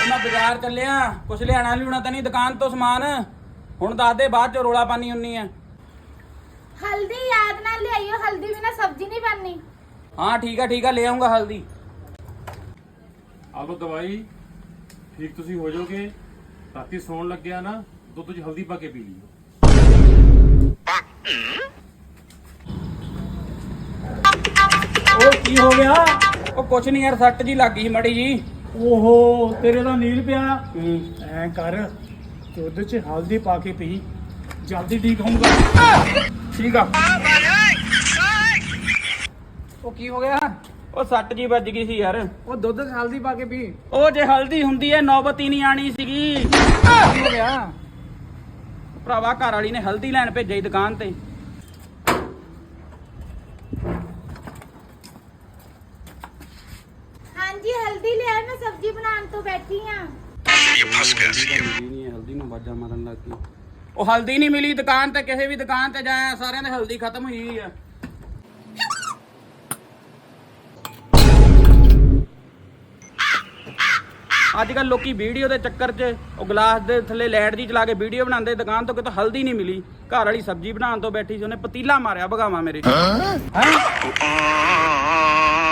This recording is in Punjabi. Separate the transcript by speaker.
Speaker 1: ਮੈਂ ਬਾਜ਼ਾਰ ਚੱਲਿਆ, ਕੁਛ ਲਿਆਣਾ ਲਿਉਣਾ ਤਾਂ ਨਹੀਂ ਦੁਕਾਨ ਤੋਂ ਸਮਾਨ। ਹੁਣ ਦੱਸ ਦੇ, ਬਾਅਦ ਚ ਰੋਲਾ ਪਾਣੀ ਹੁੰਨੀ ਆ।
Speaker 2: हल्दी याद ना ले आइयो, हल्दी बिना सब्जी नहीं बननी।
Speaker 1: हाँ ठीक है ले आऊंगा हल्दी।
Speaker 3: ਆ ਲਓ ਦਵਾਈ, ਠੀਕ ਤੁਸੀਂ ਹੋ ਜਾਓਗੇ। ਰਾਤੀ ਸੌਣ ਲੱਗਿਆ ਨਾ ਦੁੱਧ 'ਚ ਹਲਦੀ ਪਾ ਕੇ ਪੀ ਲਿਓ।
Speaker 4: ਉਹ ਕੀ ਹੋ ਗਿਆ?
Speaker 1: ਉਹ ਕੁਛ ਨਹੀਂ ਯਾਰ, ਸੱਟ ਜੀ ਲੱਗ ਗਈ ਸੀ ਮੜੀ ਜੀ।
Speaker 4: ਓਹੋ ਤੇਰੇ ਦਾ ਨੀਲ ਪਿਆ। ਐ ਕਰ, ਦੁੱਧ 'ਚ ਹਲਦੀ ਪਾ ਕੇ ਪੀ, ਜਲਦੀ ਠੀਕ ਹੋਊਗਾ।
Speaker 1: ਠੀਕ ਆ। ਉਹ ਕੀ ਹੋ ਗਿਆ? ਉਹ ਸੱਟ ਜੀ ਵੱਜ ਗਈ ਸੀ ਯਾਰ।
Speaker 4: ਉਹ ਦੁੱਧ 'ਚ ਹਲਦੀ ਪਾ ਕੇ ਪੀ।
Speaker 1: ਉਹ ਜੇ ਹਲਦੀ ਹੁੰਦੀ ਐ ਨੌਬਤ ਹੀ ਨਹੀਂ ਆਣੀ ਸੀਗੀ।
Speaker 4: ਕੀ ਹੋ ਗਿਆ?
Speaker 1: ਭਰਾਵਾ ਘਰ ਵਾਲੀ ਨੇ ਹਲਦੀ ਲੈਣ ਭੇਜਿਆ ਸੀ ਦੁਕਾਨ ਤੇ।
Speaker 2: हाँ जी हल्दी ले आए, मैं सब्जी बनाने तो बैठी हाँ।
Speaker 1: ਹਲਦੀ ਨੂੰ ਬਾਜਾ ਮਾਰਨ ਲੱਗ ਗਈ। ਉਹ ਹਲਦੀ ਨਹੀਂ ਮਿਲੀ ਦੁਕਾਨ ਤੇ, ਕਿਸੇ ਵੀ ਦੁਕਾਨ ਤੇ ਜਾਇਆ ਸਾਰਿਆਂ ਦੇ ਹਲਦੀ ਖਤਮ ਹੋਈ ਹੋਈ ਆ। ਅੱਜ ਕੱਲ ਲੋਕੀ ਵੀਡੀਓ ਦੇ ਚੱਕਰ 'ਚ ਉਹ ਗਲਾਸ ਦੇ ਥੱਲੇ ਲਾਈਟ ਜੀ ਚਲਾ ਕੇ ਵੀਡੀਓ ਬਣਾਉਂਦੇ, ਦੁਕਾਨ ਤੋਂ ਕਿਤੋਂ ਹਲਦੀ ਨਹੀਂ ਮਿਲੀ। ਘਰ ਵਾਲੀ ਸਬਜ਼ੀ ਬਣਾਉਣ ਤੋਂ ਬੈਠੀ ਸੀ, ਉਹਨੇ ਪਤੀਲਾ ਮਾਰਿਆ ਭਗਾਵਾ ਮੇਰੇ। ਹੈਂ?